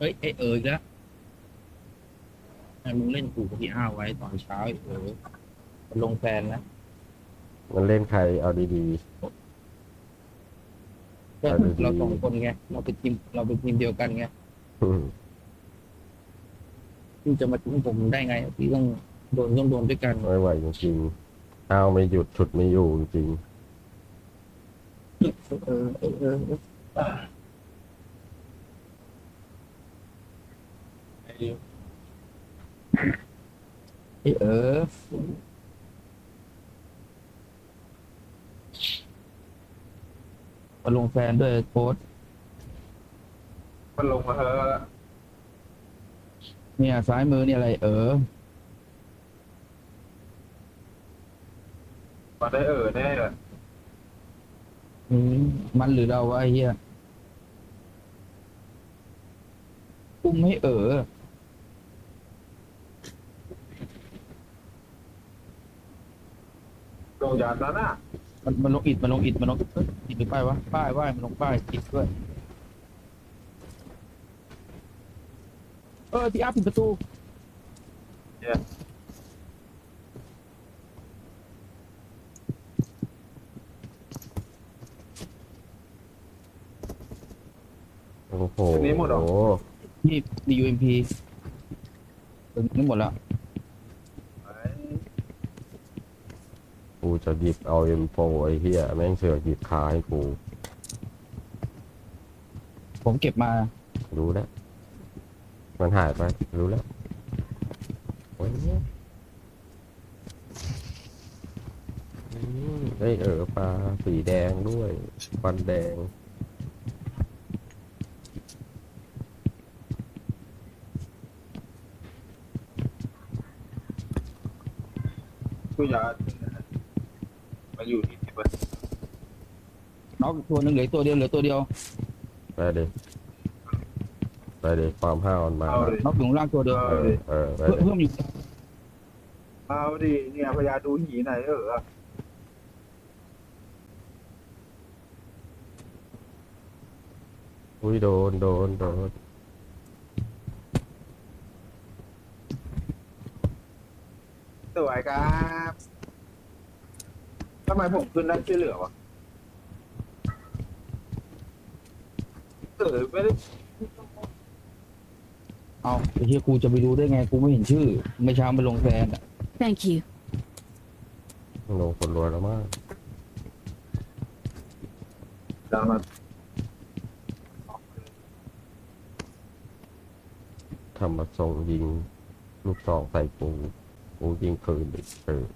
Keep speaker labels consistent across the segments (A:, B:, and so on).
A: ฮ้ยอีกแล้วให้มึงเล่นกูกับพี่อ้าวไว้ตอนเช้ามันลงแฟนนะ
B: มันเล่นใครเอาดีๆ
A: ก็
B: เอา
A: เรา
B: ดี
A: สองคนไงเราเป็นทีมเดียวกันไง
B: ๆ
A: พี่จะมาทิ้งผมได้ไงพี่ต้องโดนด้วยกัน
B: ไม่ไหวจริงๆเอาไม่หยุดฉุดไม่อยู่จริง
A: ไอ้มาลงแฟนด้วยโค้ด
C: มันลงมาเถอะ
A: เนี่ยซ้ายมือเนี่ยอะไร
C: มาได้แน่เลย
A: อืมมันหรือเราวะไอ้เหี้ยอุ้มให้
C: ลงยานนั้นน่ะ
A: มันลงอิฐอิฐหรือป้ายวะป้ายว่ามันลงป้ายอิฐด้วยพี่อาร์ปิดประตู
C: เนี่ย
B: ๆโอ้โห
C: อันนี้หมดหรอ
A: นี่ดียูเอ็มพีนี่หมดแล้ว
C: ไ
B: กูจะหยิบเอาM4ไอ้เหี้ยแม่งเสือกหยิบคาให้กู
A: ผมเก็บมา
B: รู้แล้วมันหายไปรู้แล้วโอ้ยได้ปลาสีแดงด้วยฟันแดง
C: กูยานมาอยู่ที่นี่ปะ
A: น็อกตัวหนึงเหลือตัวเดียว
B: ไปเลยไปเลยความห้าวมันมา
C: เอา
B: แล้ว
C: ดิ
A: น็อกอยู่ข้างล่างตัวเดียว
C: เอาดิ
B: ไปเลย
A: เพิ่มอยู่
C: เอาดิเนี่ยพญาดูหีไหน
B: อุ้ยโดน
C: สวยครับทำไมผมขึ้นได้ช่วยเหลือวะไม่ได้
A: เอาไอ้เหี้ยกูจะไปรู้ได้ไงกูไม่เห็นชื่อไม่เช้ามันลงแฟนอ่ะ
D: Thank you.
B: ลงคนรวยแล้วมาก
C: ดังมา
B: ทำมาส่งยิงลูกซองใส่ปูยิงคืนอีก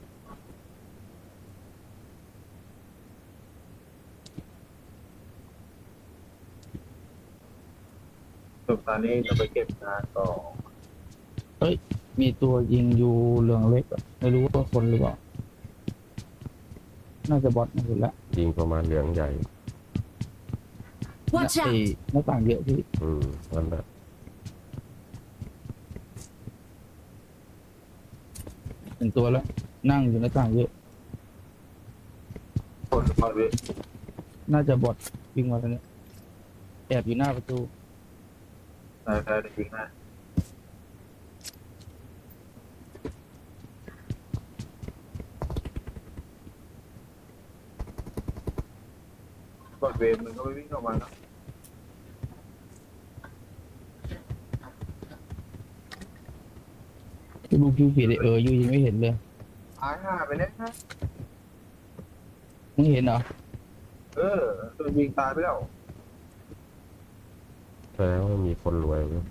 C: จบตอนนี้จะไปเก็บงานต่อ
A: มีตัวยิงอยู่เหลืองเล็กอะไม่รู้ว่าคนหรือเปล่าน่าจะบอทนะเห็นละ
B: ยิงประมาณเหลืองใหญ่
D: Watch
A: ไอ้
D: out!
A: หน้าต่างเยอะพี่
B: นั่นแหละ
A: หนึ่งตัวแล้วนั่งอยู่หน้าต่างเยอะ
C: คนพอดี
A: น่าจะบอทวิ่งมาแล้วเนี่ยแอบอยู่หน้าประตู
C: ใช่ได้จริงนะกดเวรมันก็ไม่วิ่งออกมาเนาะ
A: ที่ดูคิวฟีดอยู่ยังไม่เห็นเลย
C: หายห่าไปเนี่ยนะ
A: มึงเห็นเหรอ
C: โดนยิงตายไปแล้ว
B: แสดงว่ามีคนรวยเว้ย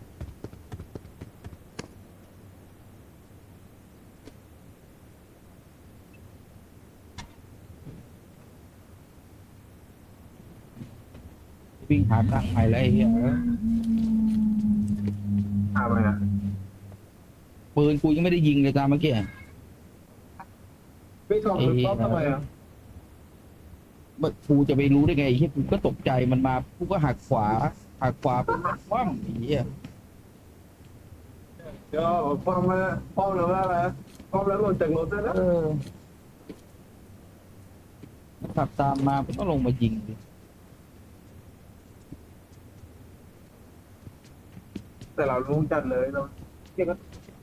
A: วิ่งหาตังค์ใหม่แล้วไอ้เหี้ย
C: ห่าไปนะ
A: ปืนกูยังไม่ได้ยิงเลยตามเมื่อกี้
C: พี่ทองมันป๊อปทำไมอ่ะ
A: กูจะไปรู้ได้ไงไอ้เหี้ยกูก็ตกใจมันมากูก็หักขวาเป็นคว่ำไอ้เหี้ย
C: เดี๋ยวป้อมมาป้อมแล้วอะไรป้อมแล้วหล่นจากรถได้แล้ว
A: มันขับตามมาก็ลงมายิงดิ
C: แต่เราลุงจัดเลยเราเรียกว่า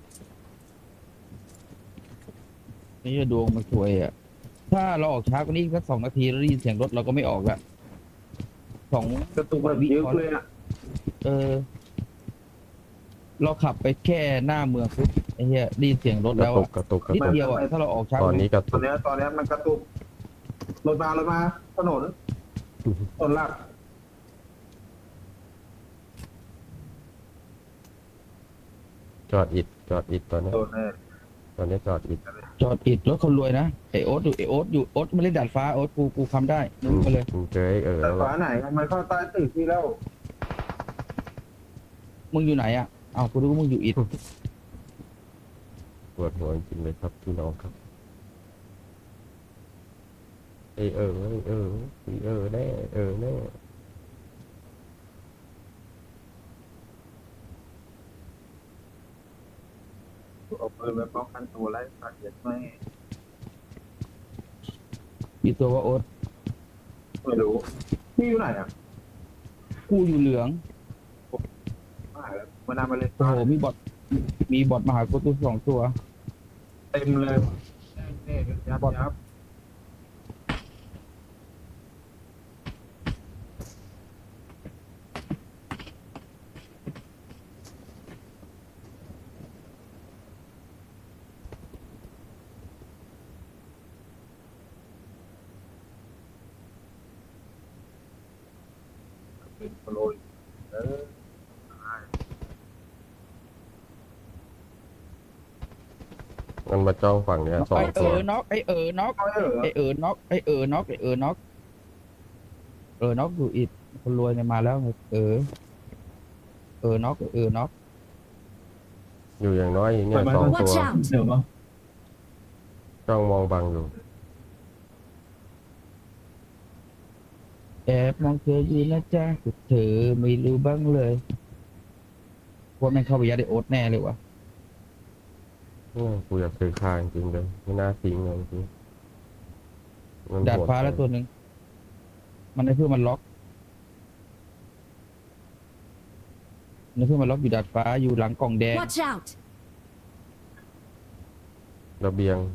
A: นี่จะดวงมันสวยอ่ะถ้าเราออกช้ากว่านี้สัก2 นาทีแล้วได้ยินเสียงรถเราก็ไม่ออกละสอง
C: กระตุกแบบเยอะเลยอ่ะ
A: เออ เราขับไปแค่หน้าเมืองปุ๊บไอ้เหี้ยได้ยินเสียงรถ
B: กระ
A: แล้ว
B: ตุ
A: อะ
B: กกระตุกกระ
A: นิด
B: ตุก
A: เดียวอ่ะถ้าเราออกช้า
B: ตอนนี้กระ
C: ต
B: ตุ
C: อน
B: ก
C: เนี้ยมันกระตุกรถมาถนนหลัก
B: จอดอิดจอดอิดตอนนี้
C: โดนแน่
B: ตอนนี้จอดอิด
A: จอดอิดรถคนรวยนะไอโอ๊ตอยู่ไอโอ๊ตอยู่โอ๊ตไม่เล่นดาดฟ้าโอ๊ตกูคำได้นึกมาเลย
B: มึงเจอไอ้
C: แต่
B: แล้ว
C: ฝาไหนมันเข้าใต้ตึกที่แล้ว
A: มึงอยู่ไหนอ่ะอ้าวกูรู้ว่ามึงอยู่อิด
B: ปวดหัวจริงๆเลยครับพี่น้องครับไอ้แน่แน่
C: เอาปืนไปป้องกันตัวไล่สัตว์เย็ดไม่
A: อีตัวว่าโอ๊ต
C: ไม่รู้พี่อยู่ไหนอ่ะ
A: กูอยู่เหลือง
C: หายแล้วมานำมาเลย
A: โอ้โหมีบอทมาหากูตัว2 ตัว
C: เต็มเลยนี่ยับ เป็นโปรยเออ
B: มันมาจ้องฝั่งเนี้ยสอ
A: ไอง
B: ตัว
A: น็อกไอน็อก
C: เอาเหรอ
A: ไอน็อกไอน็อกน็อกอยู่อิดคนรวยเนี่ยมาแล้วไงน็อกน็อก
B: อยู่อย่างน้อยเนี่ย2 ตัว
D: Watch out!
C: เดี๋ยวมา
B: จ้องมองบังอยู่
A: แอบมองเธออยู่นะจ๊ะแต่เธอไม่รู้บ้างเลยว่าแม่งเข้าไปยัดไอโอ๊ตแน่เลยวะ
B: กูอยากซื้อคางจริงเลยไม่น่าทิ้งเลยจริงมัน
A: ดาด
B: โห
A: ฟ้าแล้วตัวหนึ่งมันให้เพื่อนมันล็อกมันเพื่อนมันล็อกอยู่ดาดฟ้าอยู่หลังกล่องแดง
D: Watch out!
B: ระเบียง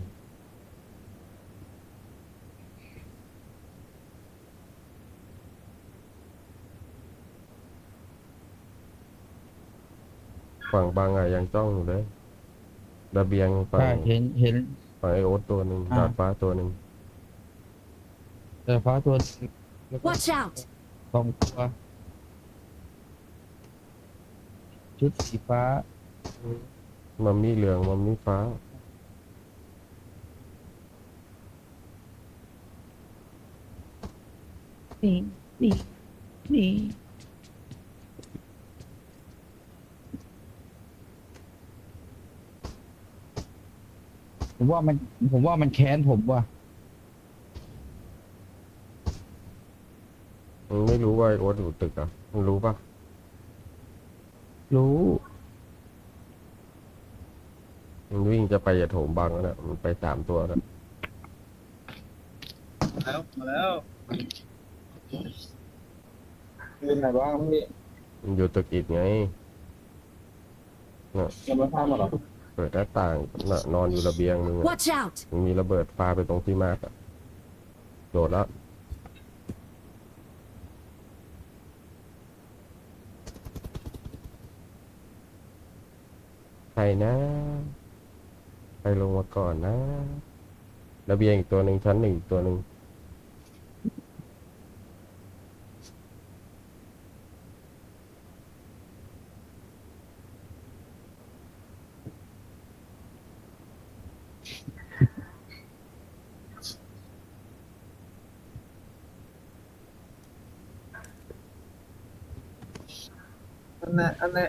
B: ฝั่งบางอะยังจ้องอยู่เลยระเบียงฝั่ง
A: ใช่เห็น
B: ฝั่งไอโอ๊ตตัวหนึ่ง
A: อ่า
B: ดาดฟ้าตัวหนึ่ง
A: ดาดฟ้าตัวแล้วก็
D: Watch out!
A: 2 ตัวชุดสีฟ้า
B: มัมมี่เหลืองมัมมี่ฟ้า
A: นี่ผมว่ามันแค้นผมว่ะ
B: มึงไม่รู้ว่าไอโอ๊ตอยู่ตึกอ่ะมึงรู้ปะ
A: รู้
B: มึงวิ่งจะไปอย่าโถมบังแล้วเนี่ยมันไป3 ตัวแล้ว
C: มาแล้วเป็นไงบ้างพี่
B: มันอยู่ตึกอิฐไง
C: ยังไม่พลาดมาหรอ
B: เปิดหน้าต่างน่ะนอนอยู่ระเบียงมึงอะ
D: Watch out!
B: มึงมีระเบิดปาไปตรงที่มาร์กอะโดดแล้วใครนะใครลงมาก่อนนะ ระเบียงอีกตัวหนึ่งชั้น 1อีกตัวหนึ่ง
C: อันนี้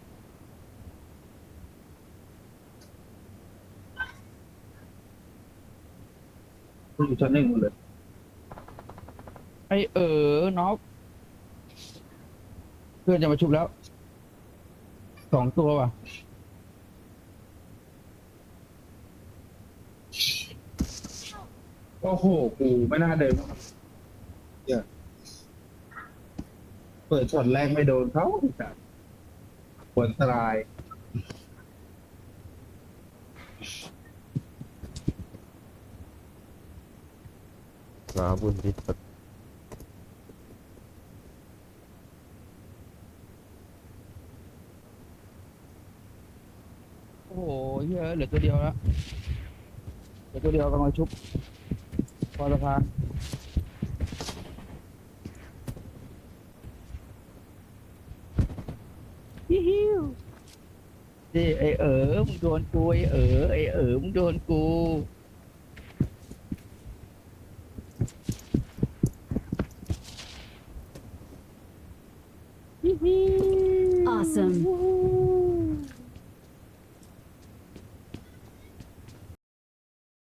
C: อยู่ชั้น 1หมดเลย
A: ไอน็อกเพื่อนจะมาชุบแล้ว2 ตัวว่ะ
C: โอ้โหกูไม่น่าเดินเปิดช็อตแรกไม่โดนเขาผลสลาย
B: ลาบุญทิศ
A: โอ้โหเหี้ยเหลือตัวเดียวแล้วเหลือตัวเดียวกำลังชุบพอสะพานฮิฮิวนี่ไอมึงโดนกูไอมึงโดนกู